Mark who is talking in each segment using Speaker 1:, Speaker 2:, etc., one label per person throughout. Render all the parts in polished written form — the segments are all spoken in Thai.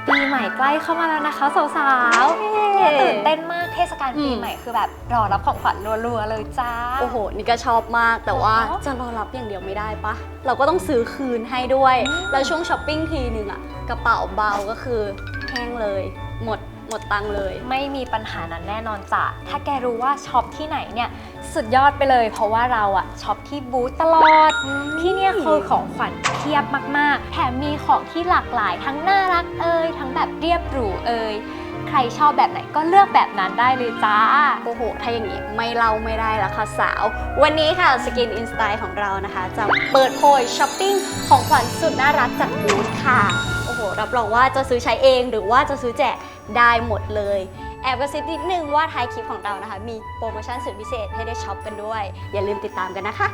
Speaker 1: ปีใหม่ใกล้เข้ามาแล้วนะคะสาวๆเนี่ยตื่นเต้นมากเทศกาลปีใหม่คือแบบรอรับของขวัญรัวๆเลยจ้า
Speaker 2: โอ้โหนี่ก็ชอบมากแต่ว่าจะรอรับอย่างเดียวไม่ได้ปะเราก็ต้องซื้อคืนให้ด้วยแล้วช่วงช้อปปิ้งทีนึงอะกระเป๋าเบาก็คือแห้งเลยหมดตังค์เลย
Speaker 1: ไม่มีปัญหานั้นแน่นอนจ้ะถ้าแกรู้ว่าช็อปที่ไหนเนี่ยสุดยอดไปเลยเพราะว่าเราอะช็อปที่บูธตลอดที่เนี่ยคือของขวัญเพียบมากๆแถมมีของที่หลากหลายทั้งน่ารักทั้งแบบเรียบหรูใครชอบแบบไหนก็เลือกแบบนั้นได้เลยจ้า
Speaker 2: โอ้โหถ้าอย่างนี้ไม่เล่าไม่ได้ละค่ะสาววันนี้ค่ะ Skin In Style ของเรานะคะจะเปิดโพยช้อปปิ้งของขวัญสุดน่ารักจากบูธค่ะโอ้โหรับรองว่าจะซื้อใช้เองหรือว่าจะซื้อแจกได้หมดเลยแอบกระซิบนิดนึงว่าท้ายคลิปของเรานะคะมีโปรโมชั่นสุดพิเศษให้ได้ช็อปกันด้วยอย่าลืมติดตามกันนะคะ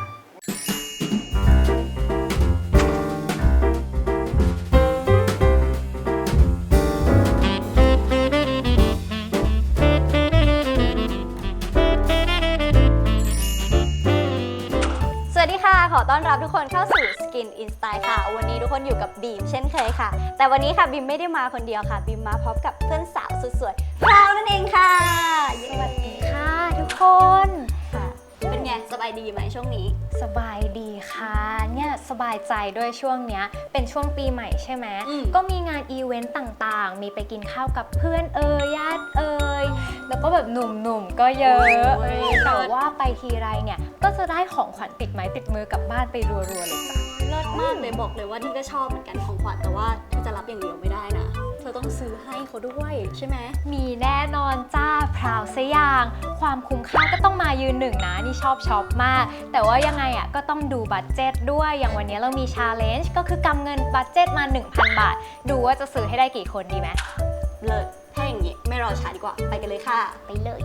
Speaker 2: สวัสดีค่ะขอต้อนรับทุกคนเข้าสู่ Skin In Style ค่ะวันนี้ทุกคนอยู่กับบีมเช่นเคยค่ะแต่วันนี้ค่ะบีมไม่ได้มาคนเดียวค่ะบีมมาพร้อมกับเพื่อนสาวสุดสวยพราวนั่นเองค่ะ
Speaker 1: สวัสดีค่ะทุกคน
Speaker 2: เป็นไงสบายดีไหมช่วงนี้
Speaker 1: สบายดีค่ะเนี่ยสบายใจด้วยช่วงเนี้ยเป็นช่วงปีใหม่ใช่ไหมก็มีงานอีเวนต์ต่างๆมีไปกินข้าวกับเพื่อนญาติแล้วก็แบบหนุ่มๆก็เยอะแต่ว่าไปทีไรเนี่ยก็จะได้ของขวัญติดไม้ติดมือกลับบ้านไปรัวๆเลยจ้ะ
Speaker 2: เลิศมากเลยบอกเลยว่านี่ก็ชอบเหมือนกันของขวัญแต่ว่าเธอจะรับอย่างเดียวไม่ได้นะเธอต้องซื้อให้เขาด้วยใช่ไหม
Speaker 1: มีแน่นอนจ้าพราวซะอย่างความคุ้มค่าก็ต้องมายืนหนึ่งนะนี่ชอบช็อปมากแต่ว่ายังไงอ่ะก็ต้องดูบัดเจ็ตด้วยอย่างวันนี้เรามีชาเลนจ์ก็คือกำเงินบัดเจ็ตมา 1,000 บาทดูว่าจะซื้อให้ได้กี่คนดีไหม
Speaker 2: เลิศถ้าอย่างนี้ไม่รอช้าดีกว่าไปกันเลยค่ะ
Speaker 1: ไปเลย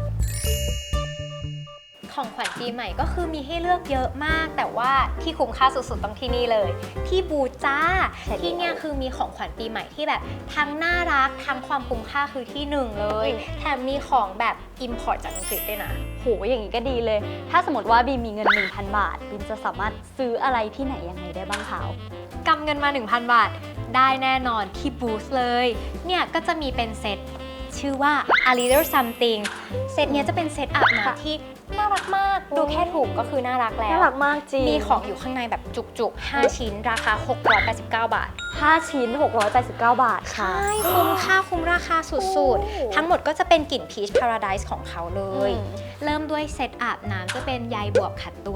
Speaker 1: ของขวัญปีใหม่ก็คือมีให้เลือกเยอะมากแต่ว่าที่คุ้มค่าสุดๆต้องที่นี่เลยที่บูจ้าที่เนี่ยคือมีของขวัญปีใหม่ที่แบบทั้งน่ารักทั้งความคุ้มค่าคือที่หนึ่งเลยแถมมีของแบบ import จากอังกฤษด้วยนะ
Speaker 2: โหอย่างนี้ก็ดีเลยถ้าสมมติว่าบีมมีเงิน 1,000 บาทบีมจะสามารถซื้ออะไรที่ไหนยังไงได้บ้างคะ
Speaker 1: กำเงินมา 1,000 บาทได้แน่นอนที่บูธเลยเนี่ยก็จะมีเป็นเซตชื่อว่า A Little Something เซตนี้จะเป็นเซตอาบน้ำที่น่ารักมากดูแค่ถุงก็คือน่ารักแล้ว
Speaker 2: น่ารักมากจริง
Speaker 1: มีของอยู่ข้างในแบบจุกๆ5ชิ้นราคา689 บาท
Speaker 2: 5ชิ้น689 บาทค่ะ
Speaker 1: ใช่คุ้มค่าคุ้มราคาสุดๆทั้งหมดก็จะเป็นกลิ่น Peach Paradise ของเขาเลยเริ่มด้วยเซตอาบน้ำจะเป็นใยบวบขัดตัว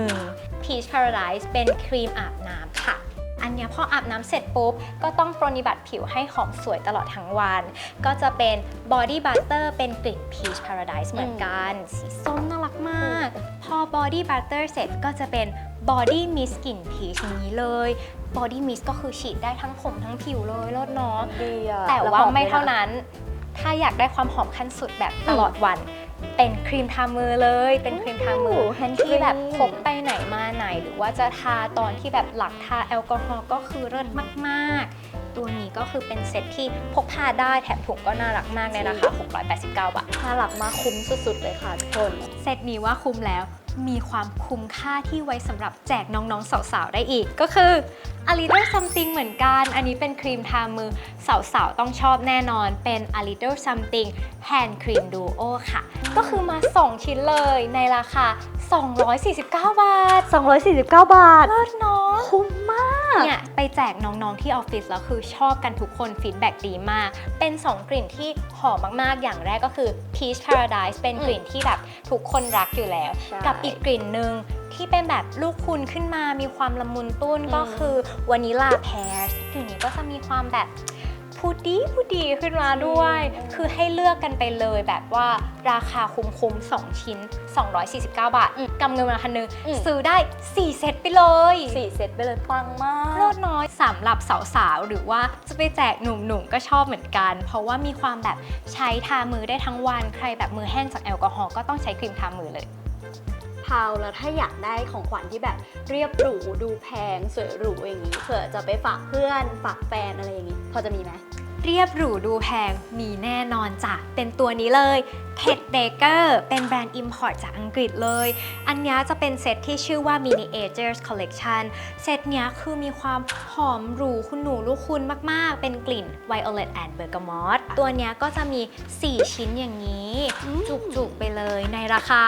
Speaker 1: 1 Peach Paradise เป็นครีมอาบน้ำค่ะอันนี้พออาบน้ำเสร็จปุ๊บก็ต้องปรนนิบัติผิวให้หอมสวยตลอดทั้งวันก็จะเป็น Body Butter เป็นกลิ่น Peach Paradise เหมือนกันสีส้มน่ารักมากพอ Body Butter เสร็จก็จะเป็น Body Mist กลิ่น Peach นี้เลย Body Mist ก็คือฉีดได้ทั้งผมทั้งผิวเลยเลิศเนาะแต่ว่าไม่เท่านั้นถ้าอยากได้ความหอมขั้นสุดแบบตลอดวันเป็นครีมทามือเลยเป็นครีมทามือที่แบบพกไปไหนมาไหนหรือว่าจะทาตอนที่แบบหลังทาแอลกอฮอล์ก็คือเลิศมากๆตัวนี้ก็คือเป็นเซ็ตที่พกพาได้แถมถุงก็น่ารักมากในราคา689 บาท
Speaker 2: น่ารักมากคุ้มสุดๆเลยค่ะทุกคน
Speaker 1: เซ็ตนี้ว่าคุ้มแล้วมีความคุ้มค่าที่ไว้สำหรับแจกน้องๆสาวๆได้อีกก็คือ A Little Something เหมือนกันอันนี้เป็นครีมทามือสาวๆต้องชอบแน่นอนเป็น A Little Something Hand Cream Duo ค่ะก็คือมา2ชิ้นเลยในราคา249 บาท
Speaker 2: 249 บาท
Speaker 1: เลิศเนาะ
Speaker 2: คุ้มมาก
Speaker 1: เนี่ยไปแจกน้องๆที่ออฟฟิศแล้วคือชอบกันทุกคนฟีดแบ็กดีมากเป็น2กลิ่นที่หอมมากๆอย่างแรกก็คือ Peach Paradise เป็นกลิ่นที่แบบทุกคนรักอยู่แล้วกับอีกกลิ่นหนึ่งที่เป็นแบบลูกคุณขึ้นมามีความละมุนตุ้นก็คือวานิลาแพร์กลิ่นนี้ก็จะมีความแบบพูดีขึ้นมาด้วยคือให้เลือกกันไปเลยแบบว่าราคาคุ้ม2ชิ้น249 บาทกำเงินมาคันนึงซื้อได้4เซตไปเลย
Speaker 2: 4เซตไปเลยปังมาก
Speaker 1: ลดน้อยสำหรับสาวๆหรือว่าจะไปแจกหนุ่มๆก็ชอบเหมือนกันเพราะว่ามีความแบบใช้ทามือได้ทั้งวันใครแบบมือแห้งจากแอลกอฮอล์ก็ต้องใช้ครีมทามือเลย
Speaker 2: พาวแล้วถ้าอยากได้ของขวัญที่แบบเรียบหรูดูแพงสวยหรูอย่างนี้เผื่อจะไปฝากเพื่อนฝากแฟนอะไรอย่างนี้พอจะมีไหม
Speaker 1: เรียบหรูดูแพงมีแน่นอนจ้ะเป็นตัวนี้เลย Ted Baker เป็นแบรนด์ Import จากอังกฤษเลยอันนี้จะเป็นเซตที่ชื่อว่า Miniatures Collection เซตเนี้ยคือมีความหอมหรูคุณหนูลูกคุณมากๆเป็นกลิ่น Violet and Bergamot ตัวเนี้ยก็จะมี 4 ชิ้นอย่างนี้จุกๆไปเลยในราคา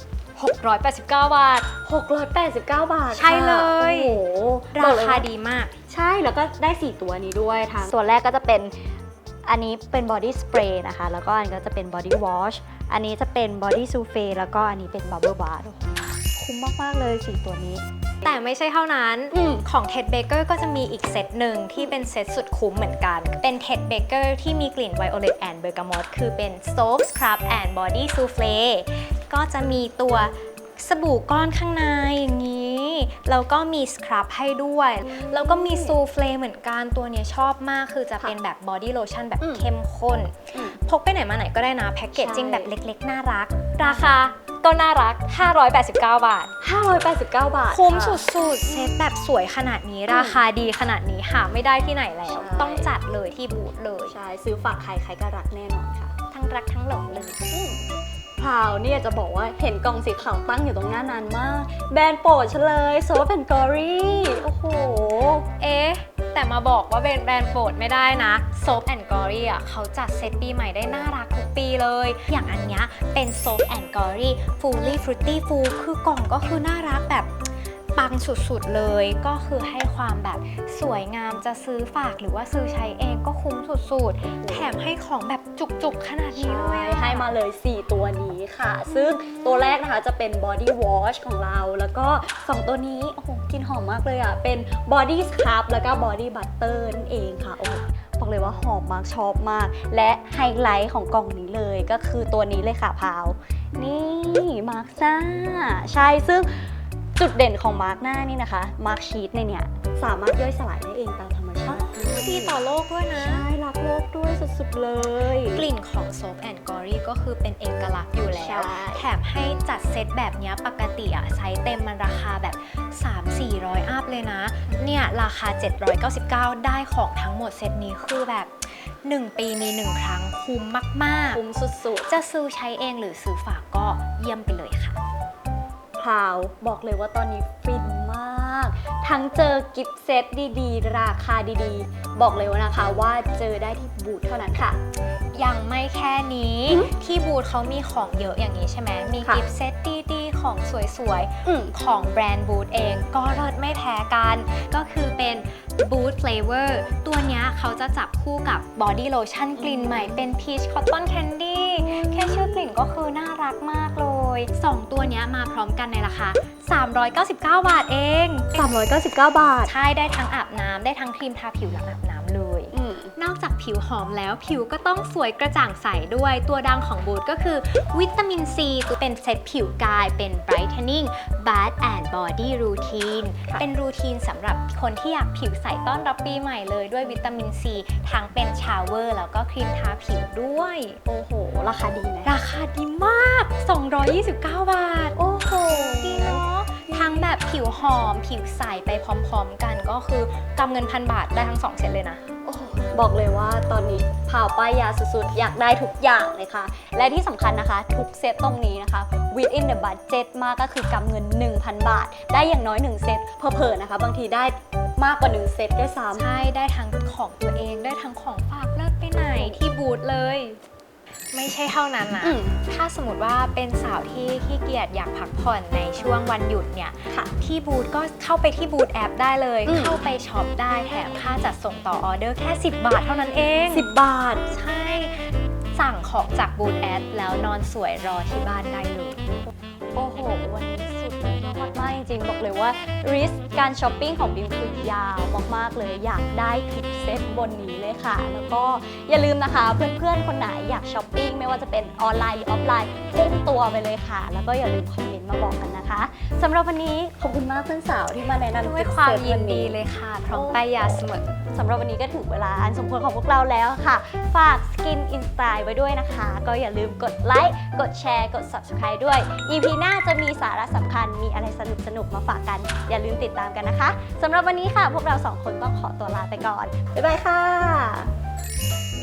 Speaker 1: 689 บาท
Speaker 2: 689 บาท
Speaker 1: ใช่เลย
Speaker 2: โอ้โห
Speaker 1: ราคาดีมาก
Speaker 2: ใช่แล้วก็ได้ 4 ตัวนี้ด้วยทั้งตัวแรกก็จะเป็นอันนี้เป็นบอดี้สเปรย์นะคะแล้วก็อันก็จะเป็นบอดี้วอชอันนี้จะเป็นบอดี้ซูเฟ่แล้วก็อันนี้เป็นบับเบิลบาร์คุ้มมากๆเลย 4 ตัวนี้
Speaker 1: แต่ไม่ใช่เท่านั้นของ Ted Baker ก็จะมีอีกเซตหนึ่งที่เป็นเซตสุดคุ้มเหมือนกัน เป็น Ted Baker ที่มีกลิ่น Violet and Bergamot คือเป็น Soap Scrub and Body Souffle ก็จะมีตัวสบู่ก้อนข้างในอย่างนี้ แล้วก็มีสครับให้ด้วย แล้วก็มีซูเฟลเหมือนกันตัวเนี้ยชอบมากคือจะเป็นแบบบอดี้โลชั่นแบบเข้มข้น พกไปไหนมาไหนก็ได้นะแพ็กเกจจิ้งแบบเล็กๆน่ารัก ราคาก็น่ารัก 589 บาท
Speaker 2: 589 บาท
Speaker 1: คุ้มสุดๆเซตแบบสวยขนาดนี้ราคาดีขนาดนี้หาไม่ได้ที่ไหนแล้ว ต้องจัดเลยที่บูธเลย
Speaker 2: ใช่ซื้อฝากใครใครก็รักแน่นอนค่ะ
Speaker 1: ทั้งรักทั้งหลงเลย
Speaker 2: พราวเนี่ยจะบอกว่าเห็นกล่องสีขาวตั้งอยู่ตรงหน้านานมากแบรนด์โปรดฉันเลยโซฟเป็นกอรี่โอ้โห
Speaker 1: เอ๊ะแต่มาบอกว่าเป็นแบรนด์โปรดไม่ได้นะ Soap and Glory อ่ะเขาจัดเซตปีใหม่ได้น่ารักทุกปีเลย อย่างอันเนี้ยเป็น Soap and Glory Fully Fruity Full คือกล่องก็คือน่ารักแบบปังสุดๆเลยก็คือให้ความแบบสวยงามจะซื้อฝากหรือว่าซื้อใช้เองก็คุ้มสุดๆแถมให้ของแบบจุกๆขนาดนี้เลยอะ
Speaker 2: ให้มาเลย 4 ตัวนี้ค่ะ ซึ่งตัวแรกนะคะจะเป็น Body Wash ของเรา แล้วก็ 2 ตัวนี้ โอ้โหกลินหอมมากเลยอ่ะ เป็น Body Scrub แล้วก็ Body Butter นั่นเองค่ะ โอ้โหบอกเลยว่าหอมมากชอบมาก และไฮไลท์ของกล่องนี้เลยก็คือตัวนี้เลยค่ะพาว นี่มาร์คหน้าใช่ ซึ่งจุดเด่นของมาร์คหน้านี่นะคะมาร์คชีทในเนี่ยสามารถย่อยสลายได้เองตามธรรมชาติ
Speaker 1: ดีต่อโลกด้วยนะ
Speaker 2: ใช่รักโลกด้วยสุดๆเลย
Speaker 1: กลิ่นของ Soap and Glory ก็คือเป็นเอกลักษณ์อยู่แล้ว
Speaker 2: ใช่
Speaker 1: แถมให้จัดเซตแบบเนี้ยปกติอะไซส์เต็มมันราคาแบบ 3-400 อัพเลยนะ เนี่ยราคา 799 ได้ของทั้งหมดเซตนี้คือแบบ 1 ปีมี 1 ครั้งคุ้มมาก
Speaker 2: คุ้มสุด
Speaker 1: ๆ จะซื้อใช้เองหรือซื้อฝากก็เยี่ยมไปเลยค่ะ
Speaker 2: ๆพราวบอกเลยว่าตอนนี้ฟินมาก ทั้งเจอกิฟต์เซตดีๆ ราคาดีๆ บอกเลยว่านะคะว่าเจอได้ที่บูธเท่านั้นค่ะ
Speaker 1: ยังไม่แค่นี้ที่บูธเขามีของเยอะอย่างนี้ใช่ไหมมี
Speaker 2: ค่ะ
Speaker 1: กิฟต์เซตดีๆของสวย
Speaker 2: อืม
Speaker 1: ๆของแบรนด์บูธเองก็เลิศไม่แพ้กัน ก็คือเป็นบูธ Flavor ตัวเนี้ยเขาจะจับคู่กับบอดี้โลชั่นกลิ่นใหม่เป็น Peach Cotton Candy แค่ชื่อกลิ่นก็คือน่ารักมากเลย 2 ตัวเนี้ยมาพร้อมกันในราคา 399 บาทเอง
Speaker 2: 399 บาท
Speaker 1: ใช่ได้ทั้งอาบน้ำได้ทั้งครีมทาผิวหลังอาบน้ำเลย นอกจากผิวหอมแล้วผิวก็ต้องสวยกระจ่างใสด้วยตัวดังของบูธก็คือวิตามินซีเป็นเซตผิวกายเป็น brightening bath and body routine
Speaker 2: ค่ะ
Speaker 1: เป็นรูทีนสำหรับคนที่อยากผิวใสต้อนรับปีใหม่เลยด้วยวิตามินซีทั้งเป็นชาวเวอร์แล้วก็ครีมทาผิวด้วย
Speaker 2: โอ้โห ราคาดีไหม
Speaker 1: ราคาดีมาก 229 บาท
Speaker 2: โอ้โห
Speaker 1: ดีเนาะทั้งแบบผิวหอมผิวใสไปพร้อมๆกันก็คือกำเงิน1,000 บาทได้ทั้ง2เซตเลยนะ
Speaker 2: โอ้โหบอกเลยว่าตอนนี้พาวป้ายยาสุดๆ อยากได้ทุกอย่างเลยค่ะ และที่สำคัญนะคะ ทุกเซตตรงนี้นะคะ within the budget มากก็คือกำเงิน 1,000 บาท ได้อย่างน้อย 1 เซตเผลอๆนะคะ บางทีได้มากกว่า 1 เซตด้วยซ้ำ
Speaker 1: ใช่ได้ทั้งของตัวเองได้ทั้งของฝากเลิศไปไหนที่บูธเลย ไม่ใช่เท่านั้นนะ ถ้าสมมติว่าเป็นสาวที่ขี้เกียจอยากพักผ่อนในช่วงวันหยุดเนี่ย
Speaker 2: ค่ะ
Speaker 1: ที่บูธก็เข้าไปที่บูธแอปได้เลย
Speaker 2: อืม
Speaker 1: เข้าไปช็อปได้แถมค่าจัดส่งต่อออเดอร์แค่ 10 บาทเท่านั้นเอง
Speaker 2: 10 บาท
Speaker 1: ใช่ สั่งของจากบูธแอปแล้วนอนสวยรอที่บ้านได้เลย
Speaker 2: โอ้โห วันนี้สุดยอดมากจริงๆ บอกเลยว่าริสการช้อปปิ้งของบิมคือยาวมากๆเลย อยากได้ทุกเซตบนนี้เลยค่ะ แล้วก็อย่าลืมนะคะ เพื่อนๆ คนไหนอยากช้อปปิ้งไม่ว่าจะเป็นออนไลน์หรือออฟไลน์พุ่งตัวไปเลยค่ะ แล้วก็อย่าลืมคอมเมนต์มาบอกกันนะคะสำหรับวันนี้ขอบคุณมากเพื่อนสาวที่มาแนะนำ
Speaker 1: ด้วยความยินดี
Speaker 2: เล
Speaker 1: เลย ยค่ะ พร้อมป้ายยาเสมอ
Speaker 2: สำหรับวันนี้ก็ถึงเวลาอันสมควรของพวกเราแล้วค่ะ ฝาก Skin Inspire ไว้ด้วยนะคะ ก็อย่าลืมกดไลค์ กดแชร์ กด Subscribe ด้วย EP หน้าจะมีสาระสำคัญ มีอะไรสนุกๆ มาฝากกัน อย่าลืมติดตามกันนะคะ สำหรับวันนี้ค่ะ พวกเรา 2 คนต้องขอตัวลาไปก่อน บ๊ายบายค่ะ